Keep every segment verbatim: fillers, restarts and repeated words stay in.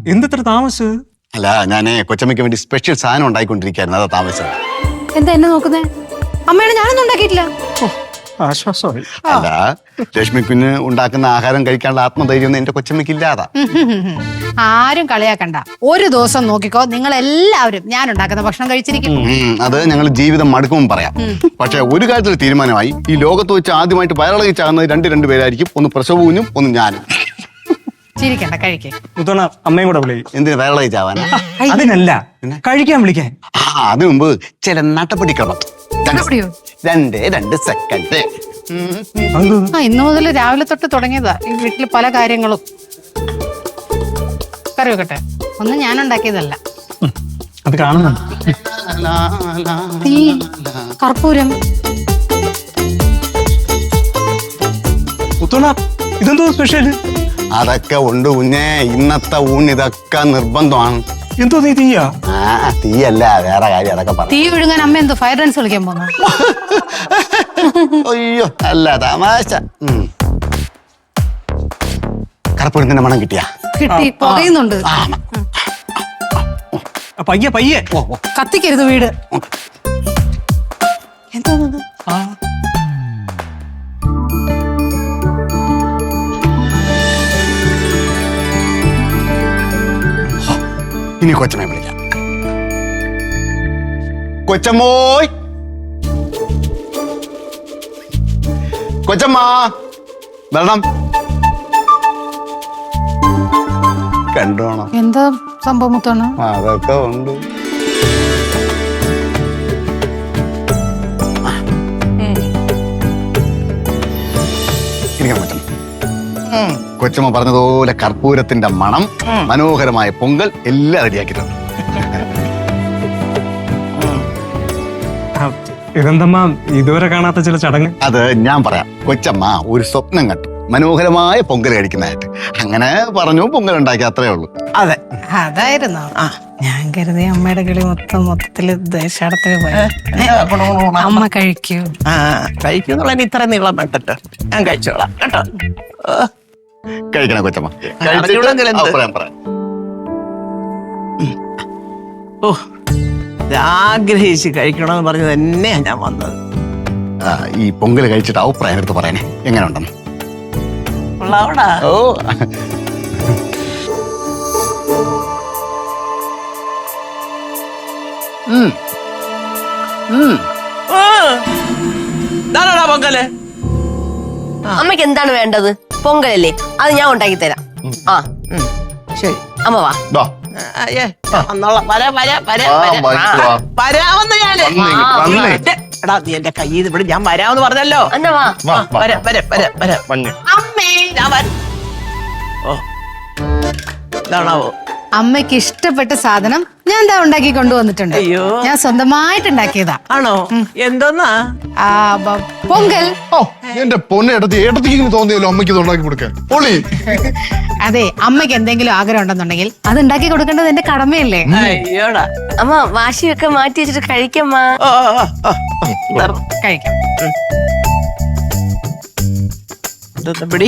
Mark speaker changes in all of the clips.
Speaker 1: എന്തിത്ര താമസിച്ചത്?
Speaker 2: അല്ല, ഞാനേ കൊച്ചമ്മയ്ക്ക് വേണ്ടി സ്പെഷ്യൽ സാധനം ഉണ്ടായിക്കൊണ്ടിരിക്കുകയായിരുന്നു, അതാ താമസിച്ചത്.
Speaker 3: എന്താ എന്നെ നോക്കുന്നേ? അമ്മയാണ് ഞാനൊന്നും ഉണ്ടാക്കിയിട്ടില്ല.
Speaker 1: ആശ്വാസമായി.
Speaker 2: അല്ല, ലക്ഷ്മി കുഞ്ഞ് ഉണ്ടാക്കുന്ന ആഹാരം കഴിക്കാനുള്ള ആത്മധൈര്യം ഒന്നും എന്റെ കൊച്ചമ്മയ്ക്ക് ഇല്ലാതാ.
Speaker 3: ആരും കളിയാക്കണ്ട. ഒരു ദിവസം നോക്കിക്കോ, നിങ്ങൾ എല്ലാവരും ഞാൻ ഉണ്ടാക്കുന്ന ഭക്ഷണം കഴിച്ചിരിക്കും.
Speaker 2: അത് ഞങ്ങൾ ജീവിതം മടുക്കുമ്പോൾ പറയാം. പക്ഷെ ഒരു കാര്യത്തിൽ തീരുമാനമായി, ഈ ലോകത്ത് വെച്ച് ആദ്യമായിട്ട് വയറിളകി ചാകുന്നത് രണ്ട് രണ്ട് പേരായിരിക്കും. ഒന്ന് പ്രസവ കുഞ്ഞും ഒന്ന് ഞാനും.
Speaker 3: ചിരിക്കണ്ട, കഴിക്കേ.
Speaker 1: മുത്തോണ അമ്മയും കൂടെ വിളിക്കും.
Speaker 2: എന്തിനു വയറിളകി ചാവാൻ?
Speaker 1: അതിനല്ല, കഴിക്കാൻ വിളിക്കാൻ.
Speaker 2: ആ, അതിനു മുമ്പ് ചില നട്ടപ്പിടിക്കണം. രണ്ട് രണ്ട് സെക്കൻഡ്.
Speaker 3: ആ, ഇന്നു മുതൽ രാവിലെ തൊട്ട് തുടങ്ങിയതാ ഈ വീട്ടിൽ പല കാര്യങ്ങളും. കറി വെക്കട്ടെ? ഒന്നും ഞാൻ ഉണ്ടാക്കിയതല്ല.
Speaker 1: അത് കാണുന്നുണ്ട്.
Speaker 3: തീ, കർപ്പൂരം.
Speaker 1: മുത്തോണ ഇതെന്തോ സ്പെഷ്യൽ?
Speaker 2: അതൊക്കെ ഉണ്ട് കുഞ്ഞേ, ഇന്നത്തെ ഊണ് ഇതൊക്കെ നിർബന്ധമാണ്.
Speaker 1: എന്തോ നീ തീയാ?
Speaker 2: ആ, തീയല്ല, വേറെ കാര്യം. അതൊക്കെ പറ.
Speaker 3: തീ വിഴുങ്ങാൻ അമ്മ എന്തോ ഫയർ ഡാൻസ് കളിക്കാൻ പോന്നു?
Speaker 2: അയ്യോ, അല്ല തമാശ. കർപ്പൂരത്തിന്റെ മണം കിട്ടിയാ?
Speaker 3: കിട്ടി, പുകയുന്നുണ്ട്.
Speaker 1: പയ്യെ പയ്യെ.
Speaker 3: കത്തിക്കരുത് വീട്. എന്താ
Speaker 2: ഇനി കൊച്ചമ്മയെ വിളിക്കാം. കൊച്ചമ്മോയ്, കൊച്ചമ്മ വരണം. കണ്ടോണം.
Speaker 3: എന്താ സംഭവം മുത്താണ്?
Speaker 2: അതൊക്കെ ഉണ്ട്. ഇരിക്കാൻ പറ്റും. കൊച്ചമ്മ പറഞ്ഞതുപോലെ കർപ്പൂരത്തിന്റെ മണം, മനോഹരമായ പൊങ്കൽ എല്ലാം റെഡിയാക്കിയിട്ടുണ്ട്.
Speaker 1: ഇതെന്തമ്മ ഇതുവരെ കാണാത്ത ചില ചടങ്ങ്?
Speaker 2: അത് ഞാൻ പറയാം. കൊച്ചമ്മ ഒരു സ്വപ്നം കണ്ടു, മനോഹരമായ പൊങ്കൽ കഴിക്കുന്നതായിട്ട്. അങ്ങനെ പറഞ്ഞു, പൊങ്കൽ ഉണ്ടാക്കി, അത്രേ ഉള്ളൂ.
Speaker 4: അതെ,
Speaker 3: അതായിരുന്നു. ഞാൻ കരുതി അമ്മയുടെ കിളി മൊത്തം മൊത്തത്തില് ദേശാടത്തിന് പോയി. അമ്മ കഴിക്കൂ.
Speaker 4: ആ കഴിക്കുന്നുള്ള ഇത്ര നീളം വേണ്ടല്ലോ, ഞാൻ കഴിച്ചോളാം കേട്ടോ.
Speaker 2: കഴിക്കണ കൊച്ചമ്മ.
Speaker 4: ഓ, ആഗ്രഹിച്ച് കഴിക്കണമെന്ന് പറഞ്ഞ് തന്നെയാ ഞാൻ വന്നത്.
Speaker 2: ഈ പൊങ്കൽ കഴിച്ചിട്ട് അഭിപ്രായം എടുത്ത് പറയണേ, എങ്ങനെ ഉണ്ടെന്ന്. ഓ,
Speaker 4: പൊങ്കല്
Speaker 5: അമ്മയ്ക്ക് എന്താണ് വേണ്ടത്? പൊങ്കലല്ലേ, അത് ഞാൻ ഉണ്ടാക്കി തരാം. ആ
Speaker 4: ശരി,
Speaker 5: അമ്മ വാ.
Speaker 4: വരാമെന്ന് ഞാന്. എടാ, നീ എന്റെ കയ്യിൽ ഇവിടെ ഞാൻ വരാമെന്ന് പറഞ്ഞല്ലോ.
Speaker 5: എന്നാ വാ.
Speaker 4: വരാം വരാം വരാം വരാം.
Speaker 5: അമ്മേ,
Speaker 4: ഞാൻ വരാം. ഓ, ഇതാണാവോ
Speaker 3: അമ്മയ്ക്ക് ഇഷ്ടപ്പെട്ട സാധനം ഞാൻ എന്താ ഉണ്ടാക്കി കൊണ്ടുവന്നിട്ടുണ്ട്.
Speaker 4: അയ്യോ,
Speaker 3: ഞാൻ സ്വന്തമായിട്ട് ഉണ്ടാക്കിയതാ.
Speaker 4: ആണോ? എന്തോന്നാ?
Speaker 3: ആ, പൊങ്കൽ.
Speaker 6: ഓ, എന്റെ പൊന്നെ ഏട്ടത്തി, ഏട്ടത്തിക്ക് തോന്നിയല്ലോ അമ്മയ്ക്ക് ഉണ്ടാക്കി കൊടുക്കാൻ. പൊളി.
Speaker 3: അതെ, അമ്മയ്ക്ക് എന്തെങ്കിലും ആഗ്രഹം ഉണ്ടെന്നുണ്ടെങ്കിൽ അത് ഉണ്ടാക്കി കൊടുക്കേണ്ടത് എന്റെ കടമയല്ലേ?
Speaker 4: അയ്യോടാ.
Speaker 5: അമ്മ വാശിയൊക്കെ മാറ്റി വെച്ചിട്ട് കഴിക്കമ്മ.
Speaker 4: ഓ, ഓ,
Speaker 3: കഴിക്കാം.
Speaker 4: ഇതൊന്ന് പിടി.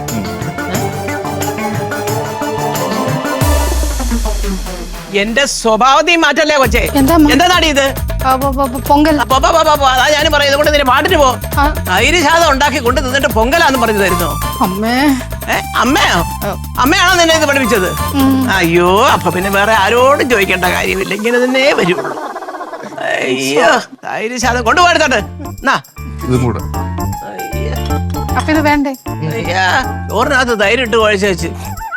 Speaker 4: എന്റെ സ്വഭാവത്തിൽ മാറ്റല്ലേ കൊച്ചേ?
Speaker 3: എന്താ
Speaker 4: എന്താടി ഇത്?
Speaker 3: പൊങ്കൽ.
Speaker 4: അതാ ഞാൻ പറയുന്നത്, കൊണ്ട് നിന്നെ പാട്ടിന് പോ. തൈര് ശാദം ഉണ്ടാക്കി കൊണ്ട് നിന്നിട്ട് പൊങ്കലാന്ന് പറഞ്ഞു തരുന്നു.
Speaker 3: അമ്മേ.
Speaker 4: ഏ, അമ്മയോ? അമ്മയാണോ നിന്നെ ഇത് പഠിപ്പിച്ചത്? അയ്യോ, അപ്പൊ പിന്നെ വേറെ ആരോടും ചോദിക്കേണ്ട കാര്യമില്ല, ഇങ്ങനെ തന്നെ വരും. അയ്യോ, തൈര് ശാദം കൊണ്ടുപോയെടുത്തോട്ട്.
Speaker 6: ഇതും കൂടെ.
Speaker 3: അപ്പൊ ഇത് വേണ്ടേ?
Speaker 4: അയ്യാ, ചോറിനകത്ത് തൈരിട്ട് കുഴച്ച് വെച്ച്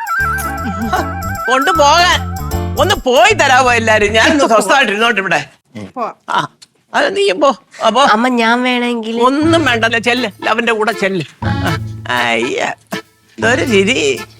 Speaker 4: കൊണ്ടുപോകാൻ ഒന്ന് പോയി തരാമോ എല്ലാരും? ഞാനൊന്ന് സ്വസ്ഥമായിട്ട് ഇരുന്നോട്ട് ഇവിടെ. ആ, അത് നീയും പോ. അപ്പോ
Speaker 5: അമ്മ ഞാൻ വേണമെങ്കിൽ.
Speaker 4: ഒന്നും വേണ്ടല്ലോ, ചെല്ല്, അവന്റെ കൂടെ ചെല്ല്. അയ്യ, ഇതൊരു ചിരി.